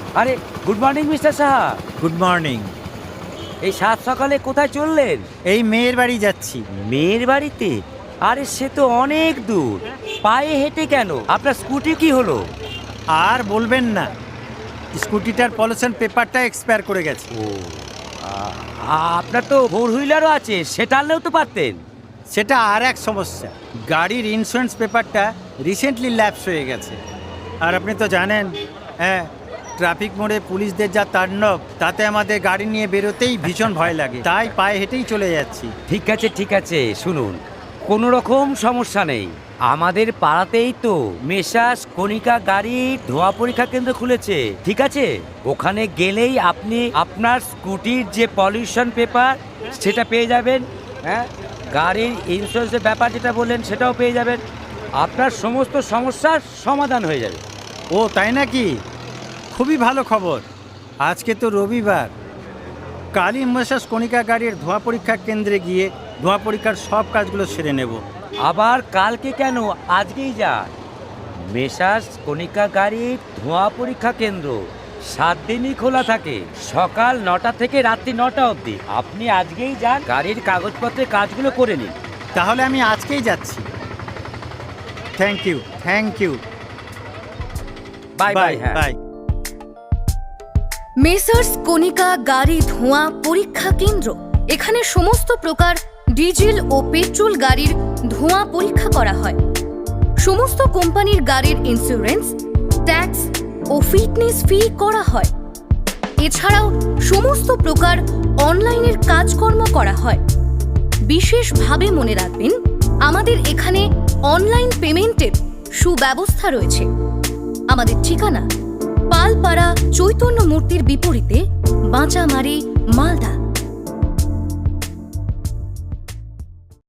আরে good morning mister Saha. Good morning. এই সাত সকালে কোথায় চললেন? এই মেয়ের বাড়ি যাচ্ছি। মেয়ের বাড়িতে? আরে সে তো অনেক দূর, পায়ে হেঁটে কেন? আপনার স্কুটি কি হলো? আর বলবেন না, স্কুটিটার পলিউশন পেপারটা এক্সপায়ার করে গেছে। ও, আপনার তো ফোর হুইলারও আছে, সেটা আনলেও তো পারতেন। সেটা আর এক সমস্যা, গাড়ির ইন্স্যুরেন্স পেপারটা রিসেন্টলি ল্যাপস হয়ে গেছে। আর আপনি তো জানেন, হ্যাঁ, ট্রাফিক মোড়ে পুলিশদের যা তাণ্ডব, তাতে আমাদের গাড়ি নিয়ে বেরোতেই ভীষণ ভয় লাগে, তাই পায়ে হেঁটেই চলে যাচ্ছি। ঠিক আছে, শুনুন, কোনো রকম সমস্যা নেই। আমাদের পাড়াতেই তো মেসাস কণিকা গাড়ির ধোঁয়া পরীক্ষা কেন্দ্র খুলেছে, ঠিক আছে? ওখানে গেলেই আপনি আপনার স্কুটির যে পলিউশন পেপার সেটা পেয়ে যাবেন, হ্যাঁ, গাড়ির ইন্স্যুরেন্সের ব্যাপার যেটা বললেন সেটাও পেয়ে যাবেন। আপনার সমস্ত সমস্যার সমাধান হয়ে যাবে। ও তাই নাকি? খুবই ভালো খবর। আজকে তো রবিবার, কালই মেসাস কণিকা গাড়ির ধোঁয়া পরীক্ষা কেন্দ্রে গিয়ে ধোঁয়া পরীক্ষার সব কাজগুলো সেরে নেব। আবার কালকে কেন, আজকেই যান। মেসাস কণিকা গাড়ির ধোঁয়া পরীক্ষা কেন্দ্র 7 দিনই খোলা থাকে, সকাল 9টা থেকে রাত্রি 9টা অবধি। আপনি আজকেই যান, গাড়ির কাগজপত্রের কাজগুলো করে নিন। তাহলে আমি আজকেই যাচ্ছি। Thank you. Bye bye. হ্যাঁ, বাই। মেসার্স কণিকা গাড়ি ধোঁয়া পরীক্ষা কেন্দ্র। এখানে সমস্ত প্রকার ডিজেল ও পেট্রোল গাড়ির ধোঁয়া পরীক্ষা করা হয়। সমস্ত কোম্পানির গাড়ির ইন্স্যুরেন্স, ট্যাক্স ও ফিটনেস ফি করা হয়। এছাড়াও সমস্ত প্রকার অনলাইনের কাজকর্ম করা হয়। বিশেষভাবে মনে রাখবেন, আমাদের এখানে অনলাইন পেমেন্টের সুব্যবস্থা রয়েছে। আমাদের ঠিকানা পালপাড়া চৈতন্য মূর্তির বিপরীতে, বাঁচামারি, মালদা।